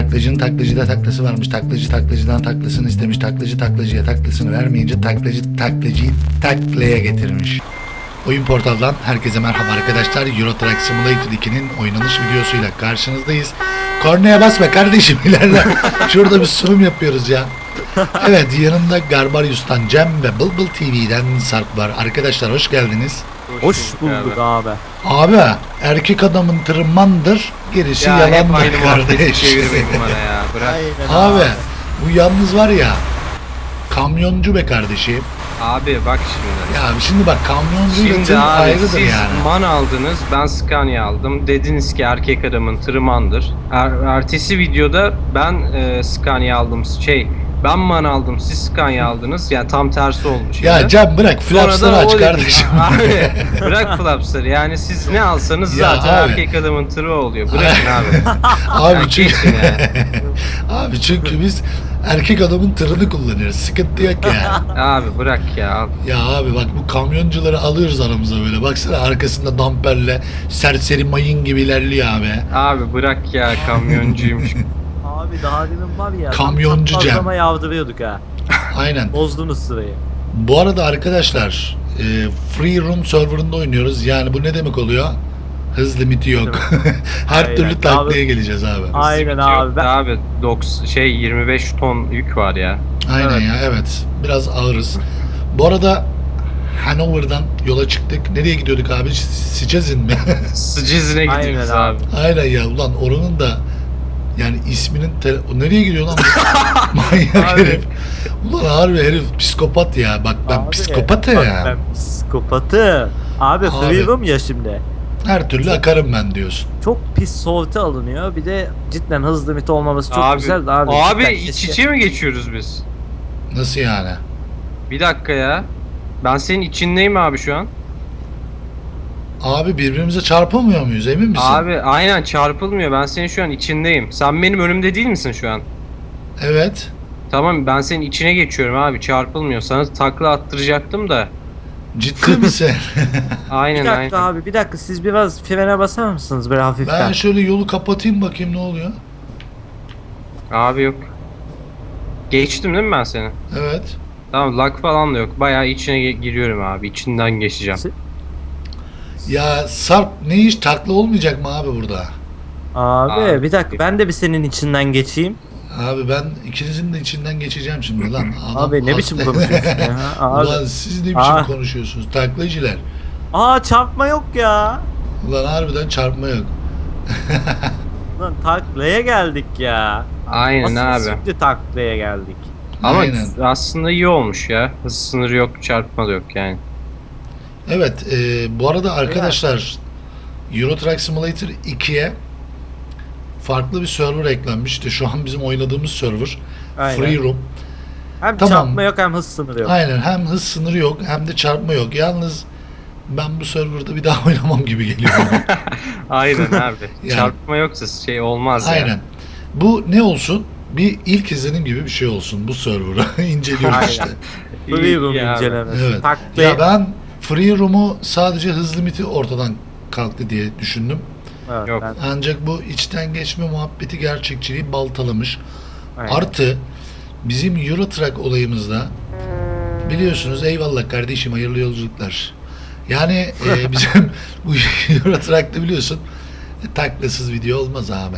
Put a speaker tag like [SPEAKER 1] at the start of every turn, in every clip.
[SPEAKER 1] Taklacının taklacıda taklası varmış. Taklacı taklacıdan taklasını istemiş. Taklacı taklacıya taklasını vermeyince taklacı taklacıyı taklaya getirmiş. Oyun Portal'dan herkese merhaba arkadaşlar. Euro Truck Simulator 2'nin oynanış videosuyla karşınızdayız. Kornaya basma kardeşim, ilerle. Şurada bir sunum yapıyoruz ya. Evet, yanımda Garbarius'tan Cem ve Bulbul TV'den Sarp var. Arkadaşlar hoş geldiniz.
[SPEAKER 2] Hoş bulduk abi.
[SPEAKER 1] Abi erkek adamın tırmandır, gerisi
[SPEAKER 3] Ya hep
[SPEAKER 1] yalandır
[SPEAKER 3] aynı muhabbeti
[SPEAKER 1] kardeş.
[SPEAKER 3] çevirmeyin bana ya. Bırak.
[SPEAKER 2] Aynen
[SPEAKER 1] Abi bu yalnız var ya, kamyoncu be kardeşim.
[SPEAKER 3] Abi bak şimdi.
[SPEAKER 1] Ya şimdi bak, kamyoncuyla
[SPEAKER 3] Şimdi
[SPEAKER 1] tır
[SPEAKER 3] abi
[SPEAKER 1] ayrıdır
[SPEAKER 3] siz
[SPEAKER 1] yani.
[SPEAKER 3] MAN aldınız, ben Scania aldım. Dediniz ki erkek adamın tırmandır. Ertesi videoda ben Scania aldım. Ben MAN aldım, siz Scania aldınız. Yani tam tersi olmuş.
[SPEAKER 1] Ya
[SPEAKER 3] yani.
[SPEAKER 1] Cem bırak,
[SPEAKER 3] Sonra
[SPEAKER 1] flapsları
[SPEAKER 3] da
[SPEAKER 1] aç
[SPEAKER 3] o dedi.
[SPEAKER 1] kardeşim.
[SPEAKER 3] Abi bırak flapsları. Yani siz ne alsanız
[SPEAKER 1] Ya
[SPEAKER 3] zaten
[SPEAKER 1] abi.
[SPEAKER 3] erkek adamın tırı oluyor. Bırakın abi.
[SPEAKER 1] Abi
[SPEAKER 3] Ya
[SPEAKER 1] çünkü
[SPEAKER 3] geçin ya.
[SPEAKER 1] abi çünkü biz erkek adamın tırını kullanıyoruz. Sıkıntı yok ya.
[SPEAKER 3] Abi bırak ya.
[SPEAKER 1] Ya abi bak, bu kamyoncuları alıyoruz aramıza böyle. Baksana, arkasında damperle serseri mayın gibi ilerliyor abi.
[SPEAKER 3] Abi bırak ya, kamyoncuymuş.
[SPEAKER 2] Abi daha demin var ya.
[SPEAKER 1] Kamyoncu Cem.
[SPEAKER 2] Fazlama yavdırıyorduk ha.
[SPEAKER 1] Aynen.
[SPEAKER 2] Bozdunuz sırayı.
[SPEAKER 1] Bu arada arkadaşlar, Free Room serverında oynuyoruz. Yani bu ne demek oluyor? Hız limiti yok. Her
[SPEAKER 2] Aynen.
[SPEAKER 1] türlü taklaya
[SPEAKER 2] Abi-
[SPEAKER 1] geleceğiz abi.
[SPEAKER 2] Aynen abi. Ben...
[SPEAKER 3] Abi 25 ton yük var ya.
[SPEAKER 1] Aynen
[SPEAKER 2] Evet.
[SPEAKER 1] ya, evet. Biraz ağırız. Bu arada Hanover'dan yola çıktık. Nereye gidiyorduk abi? Sicezin mi?
[SPEAKER 3] Sıcızına gidiyoruz
[SPEAKER 2] Aynen
[SPEAKER 3] abi.
[SPEAKER 1] Aynen ya, ulan oranın da yani isminin o nereye gidiyor lan bu? Manyak
[SPEAKER 2] Abi.
[SPEAKER 1] herif. Ulan harbi herif psikopat ya. Bak ben
[SPEAKER 2] Abi,
[SPEAKER 1] psikopatım
[SPEAKER 2] bak
[SPEAKER 1] ya.
[SPEAKER 2] Ben psikopatım. Abi,
[SPEAKER 1] Abi.
[SPEAKER 2] free'um ya şimdi.
[SPEAKER 1] Her türlü akarım ben diyorsun.
[SPEAKER 2] Çok pis sorti alınıyor. Bir de cidden hız limiti olmaması çok
[SPEAKER 3] Abi,
[SPEAKER 2] güzel de abi.
[SPEAKER 3] abi
[SPEAKER 2] cidden
[SPEAKER 3] iç
[SPEAKER 2] keşke-
[SPEAKER 3] içe mi geçiyoruz biz?
[SPEAKER 1] Nasıl yani?
[SPEAKER 3] Bir dakika ya. Ben senin içindeyim abi şu an.
[SPEAKER 1] Abi birbirimize çarpamıyor muyuz, emin misin?
[SPEAKER 3] Abi aynen çarpılmıyor. Ben senin şu an içindeyim. Sen benim önümde değil misin şu an?
[SPEAKER 1] Evet.
[SPEAKER 3] Tamam, ben senin içine geçiyorum abi. Çarpılmıyor. Sana takla attıracaktım da.
[SPEAKER 1] Ciddi misin?
[SPEAKER 3] Aynen
[SPEAKER 2] Bir dakika
[SPEAKER 3] aynen.
[SPEAKER 2] abi, bir dakika, siz biraz frene basar mısınız böyle hafiften?
[SPEAKER 1] Ben şöyle yolu kapatayım, bakayım ne oluyor.
[SPEAKER 3] Abi yok. Geçtim değil mi ben seni?
[SPEAKER 1] Evet.
[SPEAKER 3] Tamam, lag falan da yok. Bayağı içine giriyorum abi. İçinden geçeceğim.
[SPEAKER 1] Ya Sarp, ne iş, takla olmayacak mı abi burada?
[SPEAKER 2] Abi,
[SPEAKER 3] Abi.
[SPEAKER 2] bir dakika, ben de bir senin içinden geçeyim.
[SPEAKER 1] Abi ben ikinizin de içinden geçeceğim şimdi lan. Adam
[SPEAKER 2] Abi ne biçim
[SPEAKER 1] hasta.
[SPEAKER 2] konuşuyorsun ya? Abi.
[SPEAKER 1] Ulan siz ne biçim
[SPEAKER 2] Aa.
[SPEAKER 1] konuşuyorsunuz taklacılar?
[SPEAKER 2] Aa, çarpma yok ya.
[SPEAKER 1] Ulan harbiden çarpma yok.
[SPEAKER 2] Lan taklaya geldik ya.
[SPEAKER 3] Aynen
[SPEAKER 2] Asıl
[SPEAKER 3] abi.
[SPEAKER 2] şimdi taklaya geldik.
[SPEAKER 3] Ama
[SPEAKER 1] Aynen.
[SPEAKER 3] aslında iyi olmuş ya. Hız sınırı yok, çarpma da yok yani.
[SPEAKER 1] Evet, bu arada arkadaşlar, Euro Truck Simulator 2'ye farklı bir server eklenmiş. İşte şu an bizim oynadığımız server.
[SPEAKER 2] Aynen.
[SPEAKER 1] Free Room.
[SPEAKER 2] Hem
[SPEAKER 1] Tamam.
[SPEAKER 2] çarpma yok hem hız sınırı yok.
[SPEAKER 1] Aynen, hem hız sınırı yok hem de çarpma yok. Yalnız ben bu serverda bir daha oynamam gibi geliyor bana.
[SPEAKER 3] Aynen abi.
[SPEAKER 1] Yani.
[SPEAKER 3] Çarpma yoksa şey olmaz ya.
[SPEAKER 1] Aynen. Bu ne olsun? Bir ilk izlenim gibi bir şey olsun bu server'ı. İnceliyoruz
[SPEAKER 2] Aynen.
[SPEAKER 1] işte.
[SPEAKER 2] Free room
[SPEAKER 3] İyi abi.
[SPEAKER 2] incelemesi.
[SPEAKER 1] Evet.
[SPEAKER 2] Taklaya...
[SPEAKER 1] Ya ben Free Room'u sadece hız limiti ortadan kalktı diye düşündüm.
[SPEAKER 2] Evet,
[SPEAKER 3] Yok.
[SPEAKER 2] ben-
[SPEAKER 1] Ancak bu içten geçme muhabbeti gerçekçiliği baltalamış.
[SPEAKER 2] aynen.
[SPEAKER 1] Artı bizim Euro Truck olayımızda biliyorsunuz, eyvallah kardeşim, hayırlı yolculuklar. Yani bizim bu Euro Truck'ta biliyorsun taklasız video olmaz abi.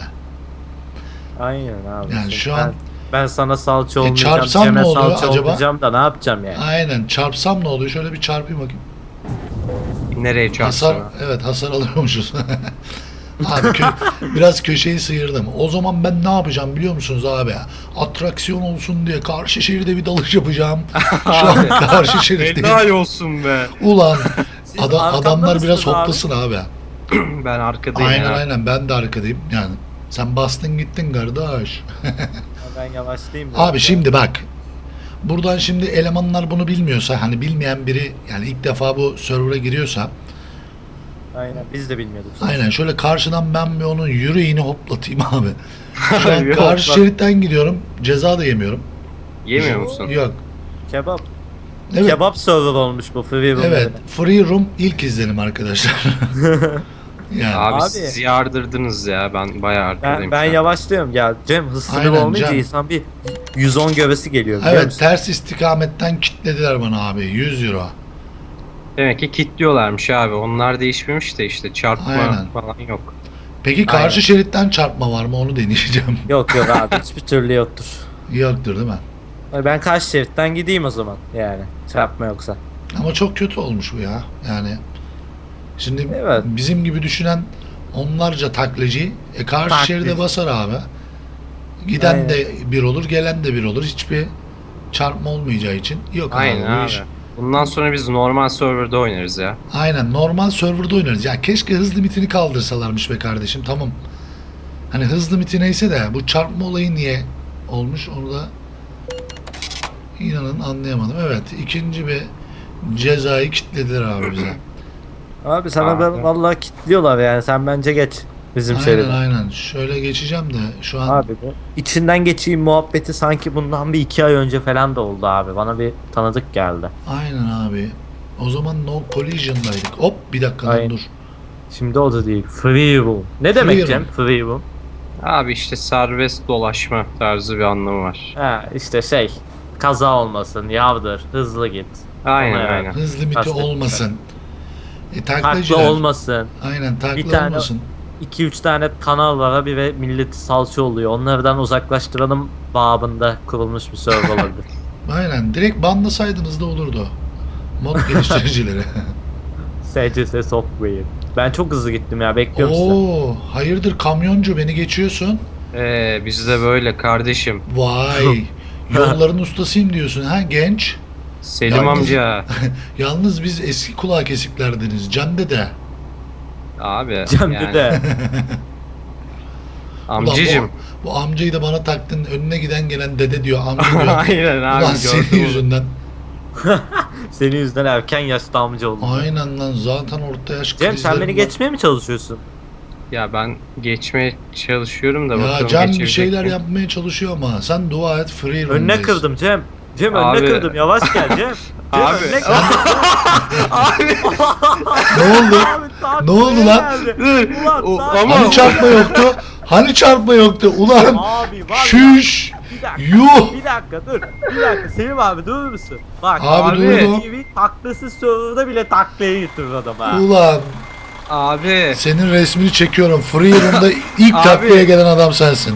[SPEAKER 2] Aynen abi.
[SPEAKER 1] Yani
[SPEAKER 2] Şimdi
[SPEAKER 1] şu an
[SPEAKER 2] ben sana salça olmayacağım,
[SPEAKER 1] çarpsam
[SPEAKER 2] Cem'e
[SPEAKER 1] ne oluyor
[SPEAKER 2] salça
[SPEAKER 1] acaba?
[SPEAKER 2] olmayacağım da ne yapacağım yani?
[SPEAKER 1] aynen çarpsam ne oluyor? Şöyle bir çarpayım bakayım.
[SPEAKER 3] Nereye çarpsın?
[SPEAKER 1] Hasar, evet, hasar alıyormuşuz. Abi biraz köşeyi sıyırdım. O zaman ben ne yapacağım biliyor musunuz abi? Atraksiyon olsun diye karşı şeride bir dalış yapacağım. Şu an karşı şeritteyim.
[SPEAKER 3] Helal olsun be.
[SPEAKER 1] Ulan
[SPEAKER 2] Siz arkamda
[SPEAKER 1] adamlar biraz
[SPEAKER 2] mısınız abi?
[SPEAKER 1] hoplasın abi.
[SPEAKER 3] Ben arkadayım
[SPEAKER 1] Aynen
[SPEAKER 3] ya.
[SPEAKER 1] aynen, ben de arkadayım yani. Sen bastın gittin kardeş.
[SPEAKER 2] Ben yavaşlayayım.
[SPEAKER 1] Abi şimdi bak. Buradan şimdi elemanlar bunu bilmiyorsa, hani bilmeyen biri yani ilk defa bu server'a giriyorsa,
[SPEAKER 2] Aynen, biz de bilmiyorduk.
[SPEAKER 1] aynen şöyle karşıdan ben bir onun yüreğini hoplatayım abi. Şu an
[SPEAKER 3] Yok,
[SPEAKER 1] karşı
[SPEAKER 3] bak.
[SPEAKER 1] şeritten gidiyorum. Ceza da yemiyorum.
[SPEAKER 3] Yemiyor musun?
[SPEAKER 1] Yok.
[SPEAKER 2] Kebap.
[SPEAKER 1] Evet.
[SPEAKER 2] Kebap server olmuş bu free room.
[SPEAKER 1] Evet.
[SPEAKER 2] yerine.
[SPEAKER 1] Free Room ilk izlenim arkadaşlar. Yani.
[SPEAKER 3] Abi,
[SPEAKER 2] Abi.
[SPEAKER 3] siz yardırdınız ya. Ben bayağı arkadayım.
[SPEAKER 2] Ben
[SPEAKER 3] şu an.
[SPEAKER 2] yavaşlıyorum ya. Cem hız sınırı
[SPEAKER 1] Aynen,
[SPEAKER 2] olmayınca
[SPEAKER 1] Cem.
[SPEAKER 2] insan bir 110 gövesi geliyor biliyor
[SPEAKER 1] Evet,
[SPEAKER 2] musun?
[SPEAKER 1] ters istikametten kilitlediler bana abi. 100 euro.
[SPEAKER 3] Demek ki kilitliyorlarmış abi. Onlar değişmemiş de işte çarpma
[SPEAKER 1] Aynen.
[SPEAKER 3] falan yok.
[SPEAKER 1] Peki karşı
[SPEAKER 2] Aynen.
[SPEAKER 1] şeritten çarpma var mı? Onu deneyeceğim.
[SPEAKER 2] Yok yok abi hiçbir türlü yoktur.
[SPEAKER 1] Yoktur değil mi?
[SPEAKER 2] Ben karşı şeritten gideyim o zaman yani çarpma yoksa.
[SPEAKER 1] Ama çok kötü olmuş bu ya. Yani şimdi
[SPEAKER 2] Evet.
[SPEAKER 1] bizim gibi düşünen onlarca taklacı karşı
[SPEAKER 2] Taklacı.
[SPEAKER 1] şeride basar abi. Giden
[SPEAKER 2] Aynen.
[SPEAKER 1] de bir olur, gelen de bir olur. Hiçbir çarpma olmayacağı için yok
[SPEAKER 3] Aynen
[SPEAKER 1] abi bu
[SPEAKER 3] abi.
[SPEAKER 1] iş.
[SPEAKER 3] Bundan sonra biz normal serverda oynarız ya.
[SPEAKER 1] Aynen normal serverda oynarız. Ya keşke hız limitini kaldırsalarmış be kardeşim. Tamam. Hani hız limiti neyse de bu çarpma olayı niye olmuş onu da inanın anlayamadım. Evet, ikinci bir cezayı kilitlediler abi bize.
[SPEAKER 2] Abi sana
[SPEAKER 3] Abi.
[SPEAKER 2] ben vallahi kilitliyorlar yani sen bence geç bizim
[SPEAKER 1] Aynen
[SPEAKER 2] şeride.
[SPEAKER 1] aynen. Şöyle geçeceğim de şu an
[SPEAKER 2] Abi bu içinden geçeyim muhabbeti sanki bundan bir 2 ay önce falan da oldu abi. Bana bir tanıdık geldi.
[SPEAKER 1] aynen abi. O zaman no collision'daydık. Hop bir dakika lan
[SPEAKER 2] Aynen.
[SPEAKER 1] dur.
[SPEAKER 2] Şimdi o da değil. Free roam. Ne demek
[SPEAKER 1] Free
[SPEAKER 2] Cem?
[SPEAKER 1] roam.
[SPEAKER 2] Free roam.
[SPEAKER 3] Abi işte serbest dolaşma tarzı bir anlamı var.
[SPEAKER 2] Ha işte şey. Kaza olmasın, yavdır, hızlı git.
[SPEAKER 3] Aynen
[SPEAKER 2] Ama
[SPEAKER 3] aynen.
[SPEAKER 1] Hız limiti
[SPEAKER 2] Kastettim
[SPEAKER 1] olmasın.
[SPEAKER 2] Takla
[SPEAKER 1] Taklacılar.
[SPEAKER 2] olmasın.
[SPEAKER 1] Aynen takla
[SPEAKER 2] Bir tane-
[SPEAKER 1] olmasın.
[SPEAKER 2] 2-3 tane kanal var abi ve milleti salça oluyor. Onlardan uzaklaştıralım babında kurulmuş bir server olabilir.
[SPEAKER 1] Aynen. Direkt banlasaydınız da olurdu. Mod geliştiricileri.
[SPEAKER 2] SCS Software. Ben çok hızlı gittim ya bekliyorum sizi.
[SPEAKER 1] Oo, hayırdır kamyoncu beni geçiyorsun.
[SPEAKER 3] Biz de böyle kardeşim.
[SPEAKER 1] Vay. Yolların ustasıyım diyorsun ha genç.
[SPEAKER 3] Selim
[SPEAKER 1] Yalnız-
[SPEAKER 3] amca.
[SPEAKER 1] Yalnız biz eski kulağı kesiklerdeniz. Can dede.
[SPEAKER 3] Abi
[SPEAKER 2] Cem
[SPEAKER 3] yani.
[SPEAKER 2] de.
[SPEAKER 1] Ulan
[SPEAKER 3] Amcacım.
[SPEAKER 1] bu amcayı da bana taktın. Önüne giden gelen dede diyor. Amca diyor.
[SPEAKER 3] Aynen abi
[SPEAKER 1] Ulan senin
[SPEAKER 3] gördüm onu.
[SPEAKER 1] yüzünden.
[SPEAKER 2] Senin yüzünden erken yaşta amca oldum.
[SPEAKER 1] Aynen lan zaten orta yaş
[SPEAKER 2] Cem sen
[SPEAKER 1] krizlerim
[SPEAKER 2] beni
[SPEAKER 1] var.
[SPEAKER 2] geçmeye mi çalışıyorsun?
[SPEAKER 3] Ya ben geçmeye çalışıyorum da
[SPEAKER 1] Ya
[SPEAKER 3] bakalım
[SPEAKER 1] Cem bir
[SPEAKER 3] geçebilecek
[SPEAKER 1] şeyler
[SPEAKER 3] miyim?
[SPEAKER 1] yapmaya çalışıyor ama sen dua et free room'dayız.
[SPEAKER 2] Önüne kırdım Cem. Cem
[SPEAKER 3] Abi.
[SPEAKER 2] önüne kırdım yavaş gel Cem. Cem
[SPEAKER 3] Abi.
[SPEAKER 2] önüne kırdım.
[SPEAKER 1] Ne oldu?
[SPEAKER 2] Abi, taklaya
[SPEAKER 1] Ne oldu lan?
[SPEAKER 2] geldi.
[SPEAKER 3] Dur.
[SPEAKER 2] Ulan
[SPEAKER 3] O-
[SPEAKER 2] taklaya
[SPEAKER 3] ama-
[SPEAKER 1] Hani çarpma yoktu? Hani çarpma yoktu? Ulan
[SPEAKER 2] Abi var ya.
[SPEAKER 1] şüş.
[SPEAKER 2] Bir dakika.
[SPEAKER 1] Yuh.
[SPEAKER 2] Bir dakika dur. Bir dakika Selim abi durur musun? Bak
[SPEAKER 1] Abi durdum.
[SPEAKER 2] TV taklasız serverda bile taklaya getirir adam ha.
[SPEAKER 1] Ulan
[SPEAKER 3] Abi.
[SPEAKER 1] senin resmini çekiyorum. Free room'da ilk
[SPEAKER 3] Abi.
[SPEAKER 1] taklaya gelen adam sensin.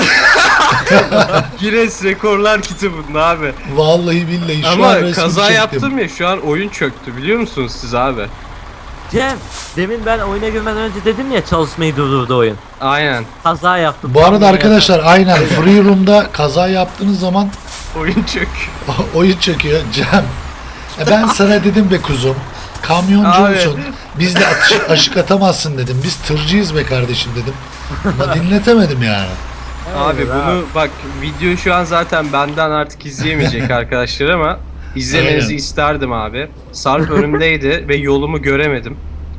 [SPEAKER 3] Guinness Rekorlar kitabında abi.
[SPEAKER 1] Vallahi billahi şu an
[SPEAKER 3] Ama
[SPEAKER 1] resmini
[SPEAKER 3] kaza
[SPEAKER 1] çektim.
[SPEAKER 3] yaptım ya şu an oyun çöktü biliyor musunuz siz abi?
[SPEAKER 2] Cem demin ben oyuna girmeden önce dedim ya çalışmayı durdurdu oyun.
[SPEAKER 3] Aynen.
[SPEAKER 2] Kaza yaptım.
[SPEAKER 1] Bu arada
[SPEAKER 2] Tam
[SPEAKER 1] arkadaşlar aynen free room'da kaza yaptığınız zaman
[SPEAKER 3] Oyun çök.
[SPEAKER 1] oyun çekiyor Cem. Ben sana dedim be kuzum. Kamyoncu
[SPEAKER 3] Abi.
[SPEAKER 1] olsun. Bizle aşık atamazsın dedim. Biz tırcıyız be kardeşim dedim. Ama dinletemedim yani.
[SPEAKER 3] Abi
[SPEAKER 2] Evet,
[SPEAKER 3] bunu bak video şu an zaten benden artık izleyemeyecek arkadaşlar ama izlemenizi
[SPEAKER 1] Aynen.
[SPEAKER 3] isterdim abi. Sarp önümdeydi ve yolumu göremedim.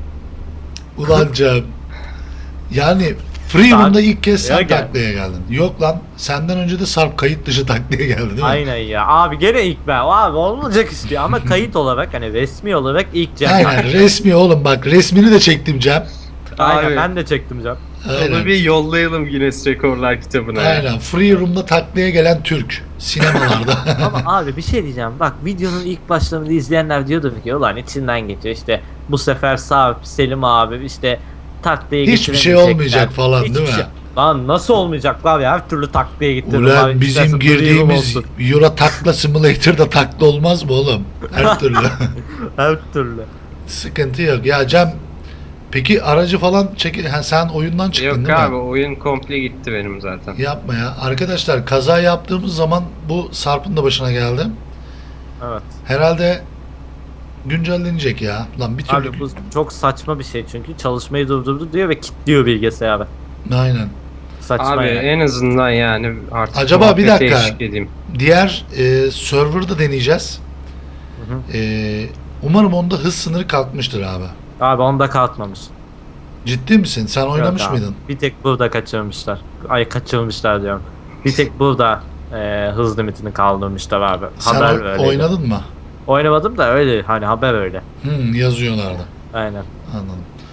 [SPEAKER 1] Ulan Cem. Yani free room'da ilk kez sen
[SPEAKER 2] Ya gel.
[SPEAKER 1] taklaya geldin. Yok lan senden önce de Sarp kayıt dışı taklaya geldi değil mi?
[SPEAKER 2] Aynen ya. Abi gene ilk ben. Abi olmayacak işte ama kayıt olarak hani resmi olarak ilk Cem.
[SPEAKER 1] Aynen resmi oğlum bak resmini de çektim Cem.
[SPEAKER 2] Aynen
[SPEAKER 3] Abi.
[SPEAKER 2] ben de çektim Cem.
[SPEAKER 3] Onu
[SPEAKER 1] Aynen.
[SPEAKER 3] bir yollayalım Guinness Rekorlar kitabına.
[SPEAKER 1] Aynen. Free room'da taklaya gelen Türk. Sinemalarda.
[SPEAKER 2] Ama abi bir şey diyeceğim. Bak videonun ilk başlarında izleyenler diyordu ki ulan içinden geçiyor işte bu sefer Sarp, Selim abi işte taklaya
[SPEAKER 1] Hiçbir şey
[SPEAKER 2] getiremeyecekler.
[SPEAKER 1] olmayacak falan, değil mi?
[SPEAKER 2] Şey. Lan nasıl olmayacak abi her türlü taklaya getirdim.
[SPEAKER 1] Ulan
[SPEAKER 2] abi.
[SPEAKER 1] bizim
[SPEAKER 2] İstersen duyurum
[SPEAKER 1] girdiğimiz
[SPEAKER 2] olsun.
[SPEAKER 1] Euro Takla Simulator'da takla olmaz mı oğlum? Her türlü.
[SPEAKER 2] Her türlü.
[SPEAKER 1] Sıkıntı yok. Ya Cem peki aracı falan sen oyundan çıktın
[SPEAKER 3] Yok
[SPEAKER 1] değil
[SPEAKER 3] abi
[SPEAKER 1] mi?
[SPEAKER 3] oyun komple gitti benim zaten.
[SPEAKER 1] Yapma ya. Arkadaşlar kaza yaptığımız zaman bu Sarp'ın da başına geldi.
[SPEAKER 2] Evet.
[SPEAKER 1] Herhalde güncellenecek ya. Lan bir türlü.
[SPEAKER 2] Abi bu çok saçma bir şey çünkü çalışmayı durdurdu diyor ve kilitliyor bilgisayarı.
[SPEAKER 1] Aynen.
[SPEAKER 2] Saçma
[SPEAKER 3] Abi
[SPEAKER 2] yani.
[SPEAKER 3] en azından yani artık
[SPEAKER 1] Acaba bir
[SPEAKER 3] muhabbete
[SPEAKER 1] dakika.
[SPEAKER 3] eşlik edeyim.
[SPEAKER 1] Diğer server'da deneyeceğiz.
[SPEAKER 2] Hı hı.
[SPEAKER 1] Umarım onda hız sınırı kalkmıştır abi.
[SPEAKER 2] Abi onda kalkmamış.
[SPEAKER 1] Ciddi misin? Sen oynamış
[SPEAKER 2] Yok abi.
[SPEAKER 1] mıydın?
[SPEAKER 2] Bir tek burada kaçırmışlar. Ay kaçırmışlar diyorum. Bir tek burada hız limitini kaldırmışlar abi.
[SPEAKER 1] Sen
[SPEAKER 2] Haber öyleydi.
[SPEAKER 1] oynadın mı?
[SPEAKER 2] Oynamadım da öyle hani haber öyle.
[SPEAKER 1] Yazıyorlardı.
[SPEAKER 2] Aynen.
[SPEAKER 1] Anladım.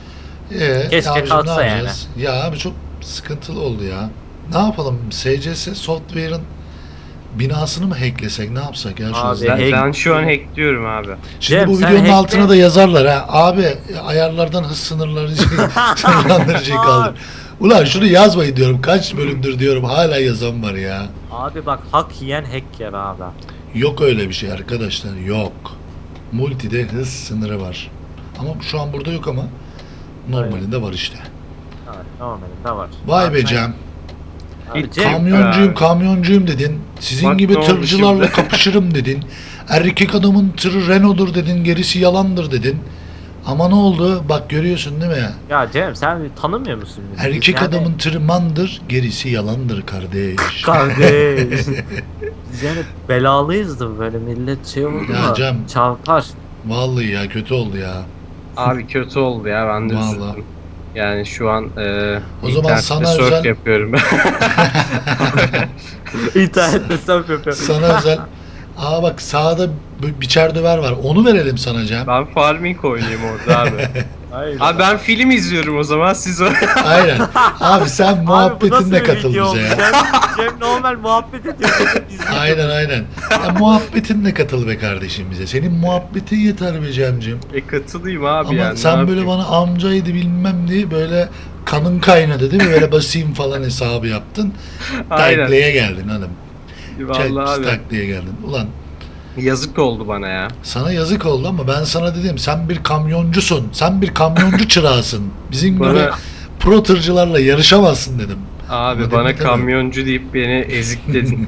[SPEAKER 2] Keşke
[SPEAKER 1] abicim,
[SPEAKER 2] kalksa
[SPEAKER 1] ne
[SPEAKER 2] yani.
[SPEAKER 1] yapacağız? Ya abi çok sıkıntılı oldu ya. Ne yapalım? SCS Software'ın binasını mı hacklesek? Ne yapsak ya şu
[SPEAKER 2] Abi,
[SPEAKER 1] hızla?
[SPEAKER 3] Ben şu an hackliyorum abi.
[SPEAKER 1] Şimdi
[SPEAKER 2] Cem,
[SPEAKER 1] bu
[SPEAKER 2] sen
[SPEAKER 1] videonun
[SPEAKER 2] hackle.
[SPEAKER 1] altına da yazarlar ha. Abi ayarlardan hız sınırlandırıcıyı kaldır. Ulan şunu yazmayın diyorum. Kaç bölümdür diyorum. Hala yazan var ya.
[SPEAKER 2] Abi bak hak yiyen hack yer abi.
[SPEAKER 1] Yok öyle bir şey arkadaşlar. Yok. Multi'de hız sınırı var. Ama şu an burada yok ama normalinde var işte.
[SPEAKER 2] Evet, normalinde var.
[SPEAKER 1] Vay be
[SPEAKER 2] Abi,
[SPEAKER 1] Cem.
[SPEAKER 2] abi, Cem,
[SPEAKER 1] Kamyoncuyum
[SPEAKER 3] abi.
[SPEAKER 1] kamyoncuyum dedin. Sizin
[SPEAKER 3] Bak
[SPEAKER 1] gibi
[SPEAKER 3] ne oldu
[SPEAKER 1] tırcılarla
[SPEAKER 3] şimdi?
[SPEAKER 1] kapışırım dedin. Erkek adamın tırı Renault'dur dedin. Gerisi yalandır dedin. Ama ne oldu? Bak görüyorsun değil mi?
[SPEAKER 2] Ya Cem sen tanımıyor musun bizi? Biz
[SPEAKER 1] Erkek
[SPEAKER 2] yani-
[SPEAKER 1] adamın tırı mandır. Gerisi yalandır kardeş.
[SPEAKER 2] Kardeş. Biz yani belalıyızdır böyle millet şey oldu
[SPEAKER 1] Ya
[SPEAKER 2] mu?
[SPEAKER 1] Cem.
[SPEAKER 2] Çarpar.
[SPEAKER 1] Vallahi ya kötü oldu ya.
[SPEAKER 3] Abi kötü oldu ya, ben de
[SPEAKER 1] Vallahi.
[SPEAKER 3] üzüldüm. Yani şu an
[SPEAKER 1] O zaman
[SPEAKER 3] internette
[SPEAKER 1] sana
[SPEAKER 3] surf
[SPEAKER 1] özel-
[SPEAKER 3] yapıyorum.
[SPEAKER 2] İnternette surf yapıyor.
[SPEAKER 1] Sana özel. Aa bak sağda biçer döver var. Onu verelim sana Cem.
[SPEAKER 3] Ben farming oynayayım orada abi.
[SPEAKER 2] Hayır.
[SPEAKER 3] Abi ben film izliyorum o zaman, siz o...
[SPEAKER 1] Aynen. Abi sen
[SPEAKER 2] Abi bu nasıl
[SPEAKER 1] muhabbetinle
[SPEAKER 2] bir
[SPEAKER 1] katıl
[SPEAKER 2] video
[SPEAKER 1] bize
[SPEAKER 2] oldu?
[SPEAKER 1] ya.
[SPEAKER 2] Cem normal muhabbet ediyor. Biz
[SPEAKER 1] Aynen aynen. Ya, muhabbetinle katıl be kardeşim bize. Senin muhabbetin yeter be Cem'cim.
[SPEAKER 3] katılayım abi
[SPEAKER 1] Ama
[SPEAKER 3] yani.
[SPEAKER 1] sen
[SPEAKER 3] ne
[SPEAKER 1] böyle
[SPEAKER 3] yapayım?
[SPEAKER 1] bana amcaydı bilmem diye böyle kanın kaynadı değil mi? Böyle basayım falan hesabı yaptın.
[SPEAKER 3] Aynen.
[SPEAKER 1] Taklaya geldin hanım.
[SPEAKER 3] Vallahi abi.
[SPEAKER 1] Taklaya geldin. Ulan
[SPEAKER 3] Yazık oldu bana ya.
[SPEAKER 1] sana yazık oldu ama ben sana dedim sen bir kamyoncusun. Sen bir kamyoncu çırağısın. Bizim gibi
[SPEAKER 3] Bana-
[SPEAKER 1] pro tırcılarla yarışamazsın dedim.
[SPEAKER 3] Abi
[SPEAKER 1] Ama
[SPEAKER 3] bana
[SPEAKER 1] demek tabii.
[SPEAKER 3] kamyoncu deyip beni ezikledin.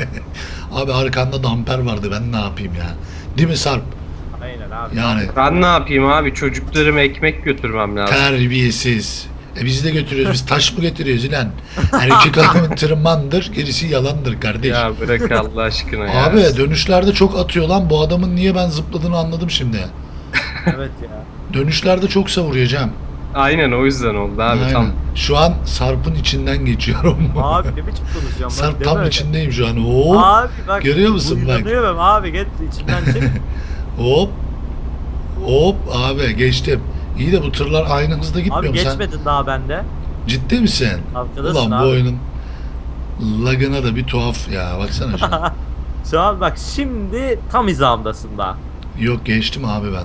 [SPEAKER 1] Abi arkanda damper vardı ben ne yapayım ya. Değil mi Sarp?
[SPEAKER 2] Aynen abi.
[SPEAKER 1] Yani
[SPEAKER 3] Ben ne yapayım abi, çocuklarıma ekmek götürmem lazım.
[SPEAKER 1] terbiyesiz. Biz de götürüyoruz. Biz taş mı götürüyoruz ilan? Erkek adamın tırmandır, gerisi yalandır kardeş.
[SPEAKER 3] Ya bırak Allah aşkına ya.
[SPEAKER 1] Abi dönüşlerde çok atıyor lan. Bu adamın niye ben zıpladığını anladım şimdi.
[SPEAKER 2] Evet ya.
[SPEAKER 1] Dönüşlerde çok savuruyor Cem.
[SPEAKER 3] Aynen, o yüzden oldu abi.
[SPEAKER 1] Aynen.
[SPEAKER 3] Tam
[SPEAKER 1] Şu an Sarp'ın içinden geçiyorum.
[SPEAKER 2] Abi ne biçim konuşacağım
[SPEAKER 1] Sarp
[SPEAKER 2] ben,
[SPEAKER 1] tam
[SPEAKER 2] deme öyle.
[SPEAKER 1] içindeyim şu an. Hop
[SPEAKER 2] Abi bak.
[SPEAKER 1] Görüyor musun bak?
[SPEAKER 2] Uylanıyorum abi git içimden çık.
[SPEAKER 1] hop. Hop abi geçtim. İyi de bu tırlar aynı hızda gitmiyor
[SPEAKER 2] Abi
[SPEAKER 1] mu sen?
[SPEAKER 2] geçmedin daha bende.
[SPEAKER 1] Ciddi misin?
[SPEAKER 2] Arkadasın
[SPEAKER 1] Ulan
[SPEAKER 2] abi.
[SPEAKER 1] bu oyunun lagına da bir tuhaf ya. Baksana şuna.
[SPEAKER 2] Şu an bak şimdi tam hizamdasın daha.
[SPEAKER 1] Yok geçtim abi ben.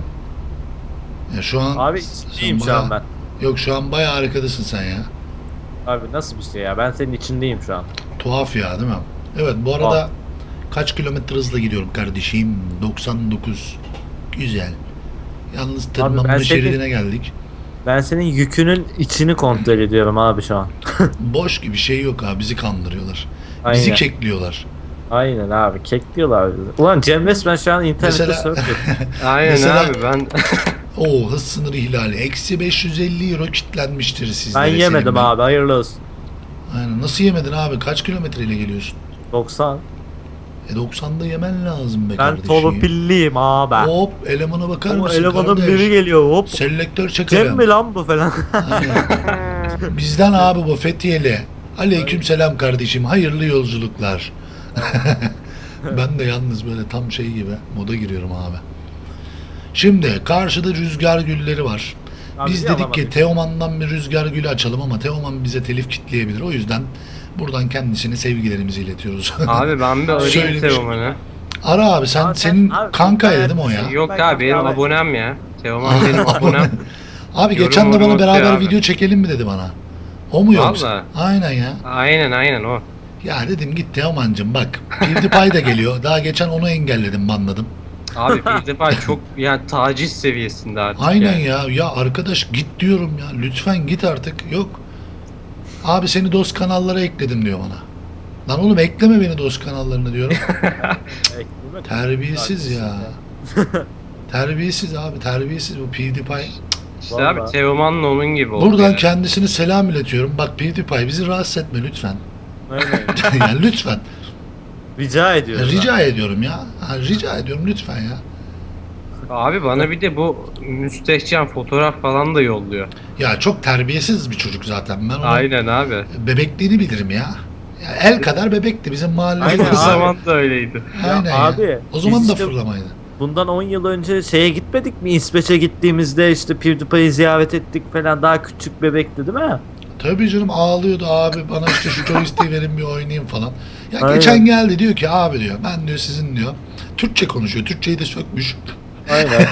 [SPEAKER 1] Ya şu an
[SPEAKER 2] Abi
[SPEAKER 1] sen
[SPEAKER 2] içindeyim şu
[SPEAKER 1] bayağı-
[SPEAKER 2] an ben.
[SPEAKER 1] Yok şu an bayağı arkadasın sen ya.
[SPEAKER 2] Abi nasıl bir şey ya? Ben senin içindeyim şu an.
[SPEAKER 1] Tuhaf ya değil mi? Evet bu arada
[SPEAKER 2] Tuhaf.
[SPEAKER 1] kaç kilometre hızla gidiyorum kardeşim? 99. Güzel. Yalnız
[SPEAKER 2] ben
[SPEAKER 1] tırmanma
[SPEAKER 2] seni-
[SPEAKER 1] şeridine geldik.
[SPEAKER 2] Ben senin yükünün içini kontrol ediyorum abi şu an.
[SPEAKER 1] Boş gibi şey yok abi bizi kandırıyorlar.
[SPEAKER 2] Aynen.
[SPEAKER 1] Bizi kekliyorlar.
[SPEAKER 2] Aynen abi kekliyorlar bizi. Ulan Cem resmen şu an internette
[SPEAKER 1] Mesela-
[SPEAKER 2] surf yapıyor.
[SPEAKER 3] aynen
[SPEAKER 1] Mesela-
[SPEAKER 3] abi ben
[SPEAKER 1] Oo hız sınırı ihlali. Eksi 550 euro kitlenmiştir sizlere.
[SPEAKER 2] Ben yemedim
[SPEAKER 1] Selim Bey.
[SPEAKER 2] abi hayırlı olsun.
[SPEAKER 1] Aynen. Nasıl yemedin abi? Kaç kilometreyle geliyorsun?
[SPEAKER 2] 90.
[SPEAKER 1] 90'da yemen lazım be
[SPEAKER 2] Ben
[SPEAKER 1] kardeşim.
[SPEAKER 2] torpilliyim abi.
[SPEAKER 1] Hop elemana bakar
[SPEAKER 2] O
[SPEAKER 1] mısın
[SPEAKER 2] elemanın
[SPEAKER 1] kardeş?
[SPEAKER 2] biri geliyor hop.
[SPEAKER 1] Selektör
[SPEAKER 2] Cem
[SPEAKER 1] çekelim.
[SPEAKER 2] mi lan bu falan.
[SPEAKER 1] Aynen. Bizden abi bu Fethiyeli. Aleyküm selam kardeşim. Hayırlı yolculuklar. Ben de yalnız böyle tam şey gibi moda giriyorum abi. Şimdi karşıda rüzgar gülleri var.
[SPEAKER 2] Abi
[SPEAKER 1] Biz
[SPEAKER 2] bir
[SPEAKER 1] dedik ki
[SPEAKER 2] alamadık.
[SPEAKER 1] Teoman'dan bir rüzgar gülü açalım ama Teoman bize telif kitleyebilir. O yüzden buradan kendisine sevgilerimizi iletiyoruz.
[SPEAKER 3] abi ben bir arayayım
[SPEAKER 1] Söylemiş.
[SPEAKER 3] Teoman'ı.
[SPEAKER 1] Ara abi sen
[SPEAKER 2] Abi sen-
[SPEAKER 1] senin
[SPEAKER 2] abi
[SPEAKER 1] kankaydı
[SPEAKER 2] ben-
[SPEAKER 1] değil mi o ya?
[SPEAKER 3] Yok
[SPEAKER 2] Ben
[SPEAKER 3] abi benim
[SPEAKER 2] abi-
[SPEAKER 3] abonem ya. Teoman benim abonem.
[SPEAKER 1] Abi
[SPEAKER 3] Yorum
[SPEAKER 1] geçen de bana
[SPEAKER 3] yorum
[SPEAKER 1] beraber
[SPEAKER 3] atıyor abi.
[SPEAKER 1] video çekelim mi dedi bana. O mu yoksa?
[SPEAKER 3] Vallahi.
[SPEAKER 1] Aynen ya.
[SPEAKER 3] Aynen o.
[SPEAKER 1] Ya dedim git Teoman'cım bak. PewDiePie da geliyor. Daha geçen onu engelledim banladım.
[SPEAKER 3] Abi PewDiePie çok yani taciz seviyesinde artık.
[SPEAKER 1] Aynen
[SPEAKER 3] yani.
[SPEAKER 1] ya. Ya arkadaş git diyorum ya. Lütfen git artık. Yok. Abi seni dost kanallara ekledim diyor bana. Lan oğlum ekleme beni dost kanallarına diyorum.
[SPEAKER 2] Eklemek-
[SPEAKER 1] Terbiyesiz ya. Terbiyesiz abi terbiyesiz bu PewDiePie.
[SPEAKER 3] İşte
[SPEAKER 2] Vallahi.
[SPEAKER 3] abi Teoman'la onun gibi oldu.
[SPEAKER 1] Buradan
[SPEAKER 3] yani.
[SPEAKER 1] kendisine selam iletiyorum. Bak PewDiePie bizi rahatsız etme lütfen.
[SPEAKER 2] Aynen.
[SPEAKER 1] Yani lütfen.
[SPEAKER 2] Rica ediyorum.
[SPEAKER 1] Rica ediyorum ya. Ha, rica ediyorum lütfen ya.
[SPEAKER 3] Abi bana bir de bu müstehcen fotoğraf falan da yolluyor.
[SPEAKER 1] Ya çok terbiyesiz bir çocuk zaten. Ben onun
[SPEAKER 3] Aynen abi.
[SPEAKER 1] bebekliğini bilirim ya. Ya el kadar bebekti bizim mahallede.
[SPEAKER 2] Aynen
[SPEAKER 3] O
[SPEAKER 2] abi.
[SPEAKER 3] zaman da öyleydi.
[SPEAKER 1] Aynen
[SPEAKER 2] Ya
[SPEAKER 1] ya.
[SPEAKER 2] abi,
[SPEAKER 1] O zaman
[SPEAKER 2] biz
[SPEAKER 1] da
[SPEAKER 2] işte-
[SPEAKER 1] fırlamaydı.
[SPEAKER 2] bundan 10 yıl önce şeye gitmedik mi? İsveç'e gittiğimizde işte PewDiePie'yi ziyaret ettik falan. Daha küçük bebekti değil mi?
[SPEAKER 1] Tabii canım, ağlıyordu abi, bana işte şu joystick'i verin bir oynayayım falan. Ya
[SPEAKER 2] Aynen.
[SPEAKER 1] geçen geldi diyor ki abi diyor, ben diyor sizin diyor Türkçe konuşuyor. Türkçeyi de sökmüş.
[SPEAKER 2] Aynen.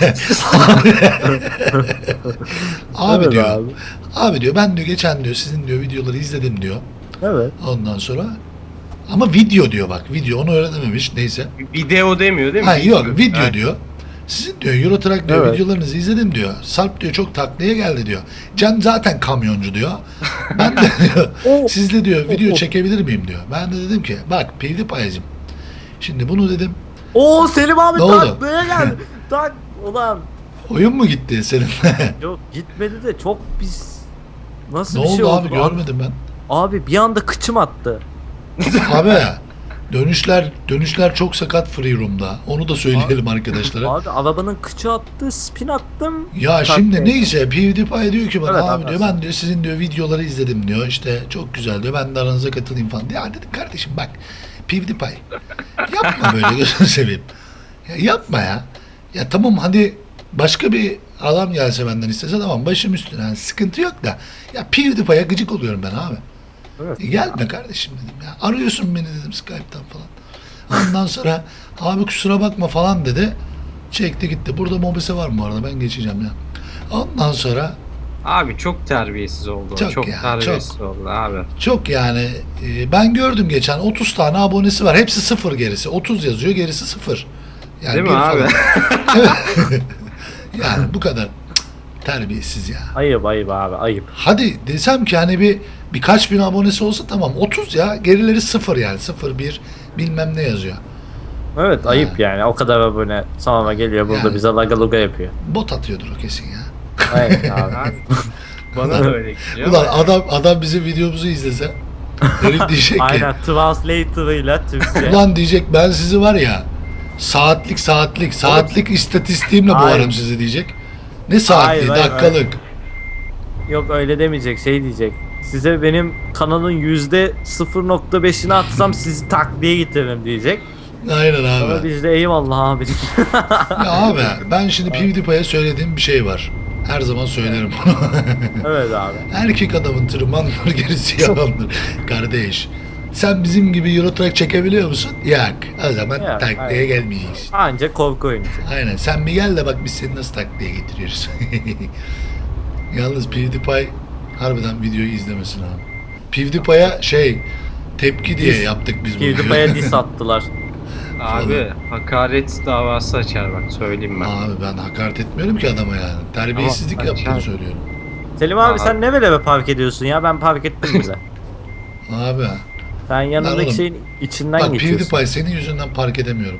[SPEAKER 1] Abi
[SPEAKER 2] Evet
[SPEAKER 1] diyor.
[SPEAKER 2] abi.
[SPEAKER 1] Abi diyor ben diyor geçen diyor sizin diyor videoları izledim diyor.
[SPEAKER 2] Evet.
[SPEAKER 1] Ondan sonra ama video diyor, bak video, onu öğrenememiş, neyse.
[SPEAKER 3] Video demiyor değil mi?
[SPEAKER 1] Ha yok video
[SPEAKER 3] Ha.
[SPEAKER 1] diyor. Sizin diyor Eurotrack diyor
[SPEAKER 2] Evet.
[SPEAKER 1] videolarınızı izledim diyor. Sarp diyor çok taklaya geldi diyor. Can zaten kamyoncu diyor. Ben de diyor
[SPEAKER 2] Oh.
[SPEAKER 1] sizle diyor video
[SPEAKER 2] Oh.
[SPEAKER 1] çekebilir miyim diyor. Ben de dedim ki bak PewDiePie'cim. Şimdi bunu dedim,
[SPEAKER 2] Oo Selim abi
[SPEAKER 1] Ne oldu?
[SPEAKER 2] taklaya geldi. Tak ulan.
[SPEAKER 1] oyun mu gitti seninle?
[SPEAKER 2] Yok gitmedi de çok pis. Nasıl
[SPEAKER 1] Ne
[SPEAKER 2] bir şey
[SPEAKER 1] oldu
[SPEAKER 2] oldu
[SPEAKER 1] abi,
[SPEAKER 2] lan?
[SPEAKER 1] görmedim ben.
[SPEAKER 2] Abi bir anda kıçım attı.
[SPEAKER 1] Abi dönüşler çok sakat free room'da. Onu da söyleyelim arkadaşlara.
[SPEAKER 2] Abi arabanın kıçı attı, spin attım.
[SPEAKER 1] Ya
[SPEAKER 2] Tak
[SPEAKER 1] şimdi
[SPEAKER 2] diye.
[SPEAKER 1] neyse PewDiePie diyor ki bana
[SPEAKER 2] Evet,
[SPEAKER 1] abi
[SPEAKER 2] abi,
[SPEAKER 1] diyor ben diyor sizin diyor videoları izledim diyor. İşte çok güzel diyor. Ben de aranıza katılayım falan. Ya dedim kardeşim bak PewDiePie yapma böyle gözünü seveyim. Ya yapma ya. Ya tamam hadi başka bir adam gelse benden istese tamam başım üstüne. Yani sıkıntı yok da. Ya PewDiePie'ye gıcık oluyorum ben abi.
[SPEAKER 2] Evet.
[SPEAKER 1] Gelme kardeşim dedim ya. Arıyorsun beni dedim Skype'tan falan. Ondan sonra abi kusura bakma falan dedi. Çekti gitti. Burada mobese var mı bu arada? Ben geçeceğim ya. Ondan sonra
[SPEAKER 3] Abi çok terbiyesiz oldu.
[SPEAKER 1] Çok
[SPEAKER 3] Çok,
[SPEAKER 1] ya,
[SPEAKER 3] terbiyesiz oldu abi.
[SPEAKER 1] çok yani ben gördüm geçen 30 tane abonesi var. Hepsi sıfır gerisi. 30 yazıyor gerisi sıfır. Yani
[SPEAKER 3] Değil mi
[SPEAKER 1] bir
[SPEAKER 3] abi?
[SPEAKER 1] falan. Evet. Yani bu kadar terbiyesiz ya.
[SPEAKER 2] Ayıp abi ayıp.
[SPEAKER 1] Hadi desem ki hani birkaç bin abonesi olsa tamam 30 ya, gerileri sıfır yani 0 1 bilmem ne yazıyor.
[SPEAKER 2] Evet ayıp yani o kadar abone sonra geliyor burada
[SPEAKER 1] Yani.
[SPEAKER 2] bize laga luga yapıyor.
[SPEAKER 1] Bot atıyordur o kesin ya.
[SPEAKER 2] Aynen abi.
[SPEAKER 3] Abi, bana da öyle geliyor.
[SPEAKER 1] Ulan adam bizim videomuzu izlese herif diyecek ki
[SPEAKER 2] Aynen translator'ıyla Türkçe.
[SPEAKER 1] ulan diyecek ben sizi var ya saatlik istatistiğimle
[SPEAKER 2] Hayır.
[SPEAKER 1] boğarım sizi diyecek. Ne saatliği,
[SPEAKER 2] Hayır,
[SPEAKER 1] dakikalık.
[SPEAKER 2] Yok öyle demeyecek şey diyecek. Size benim kanalın %0.5'ini atsam sizi takliye getiririm diyecek.
[SPEAKER 1] Aynen
[SPEAKER 2] Ama
[SPEAKER 1] abi.
[SPEAKER 2] biz de eyvallah abi.
[SPEAKER 1] Ya abi ben şimdi PewDiePie'ye söylediğim bir şey var. Her zaman söylerim bunu.
[SPEAKER 2] Evet abi.
[SPEAKER 1] Erkek adamın tırmandır gerisi yalandır. Kardeş sen bizim gibi Eurotrack çekebiliyor musun? Yok. O zaman
[SPEAKER 2] Yok,
[SPEAKER 1] taklaya
[SPEAKER 2] hayır.
[SPEAKER 1] gelmeyeceksin.
[SPEAKER 2] Anca korku oyuncu.
[SPEAKER 1] Aynen. Sen bir gel de bak biz seni nasıl taklaya getiriyoruz. Yalnız PewDiePie harbiden videoyu izlemesin abi. PewDiePie'ya tepki diye
[SPEAKER 2] Diss.
[SPEAKER 1] yaptık biz bu
[SPEAKER 2] PewDiePie'ye
[SPEAKER 1] videoyu.
[SPEAKER 2] diss attılar.
[SPEAKER 3] Abi hakaret davası açar bak söyleyeyim ben.
[SPEAKER 1] Abi ben hakaret etmiyorum ki adama yani. Terbiyesizlik
[SPEAKER 3] Ama
[SPEAKER 1] yaptığını
[SPEAKER 3] açar.
[SPEAKER 1] söylüyorum.
[SPEAKER 2] Selim abi
[SPEAKER 3] Aa.
[SPEAKER 2] sen ne böyle park ediyorsun ya? Ben park ettim bile.
[SPEAKER 1] Abi
[SPEAKER 2] Sen
[SPEAKER 1] Lan oğlum,
[SPEAKER 2] yanındaki şeyin içinden
[SPEAKER 1] bak
[SPEAKER 2] geçiyorsun.
[SPEAKER 1] PewDiePie senin yüzünden park edemiyorum.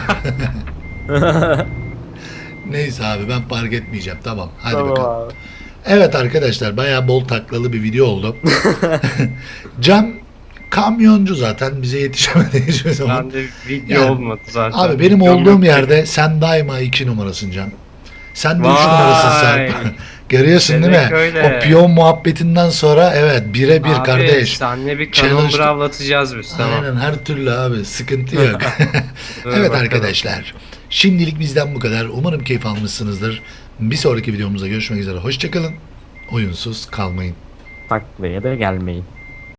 [SPEAKER 1] Neyse abi ben park etmeyeceğim. Tamam. Hadi
[SPEAKER 2] Tamam
[SPEAKER 1] bakalım.
[SPEAKER 2] abi.
[SPEAKER 1] Evet arkadaşlar bayağı bol taklalı bir video oldu. Can kamyoncu zaten bize yetişemedi hiçbir zaman.
[SPEAKER 3] Ben de video
[SPEAKER 1] Yani,
[SPEAKER 3] olmadı zaten.
[SPEAKER 1] Abi benim
[SPEAKER 3] Videom
[SPEAKER 1] olduğum
[SPEAKER 3] yok.
[SPEAKER 1] yerde sen daima 2 numarasın Can. Sen de 3
[SPEAKER 3] Vay.
[SPEAKER 1] numarasın Sarp. Görüyorsun değil mi?
[SPEAKER 3] Demek öyle.
[SPEAKER 1] O piyon muhabbetinden sonra evet bire bir
[SPEAKER 3] Abi,
[SPEAKER 1] kardeş.
[SPEAKER 3] senle bir kanon
[SPEAKER 1] Challenge-
[SPEAKER 3] bravlatacağız biz tamam.
[SPEAKER 1] Aynen her türlü abi sıkıntı yok.
[SPEAKER 3] Dur
[SPEAKER 1] Evet
[SPEAKER 3] bakalım.
[SPEAKER 1] arkadaşlar şimdilik bizden bu kadar. Umarım keyif almışsınızdır. Bir sonraki videomuzda görüşmek üzere. Hoşçakalın. Oyunsuz kalmayın.
[SPEAKER 2] Taklaya da gelmeyin.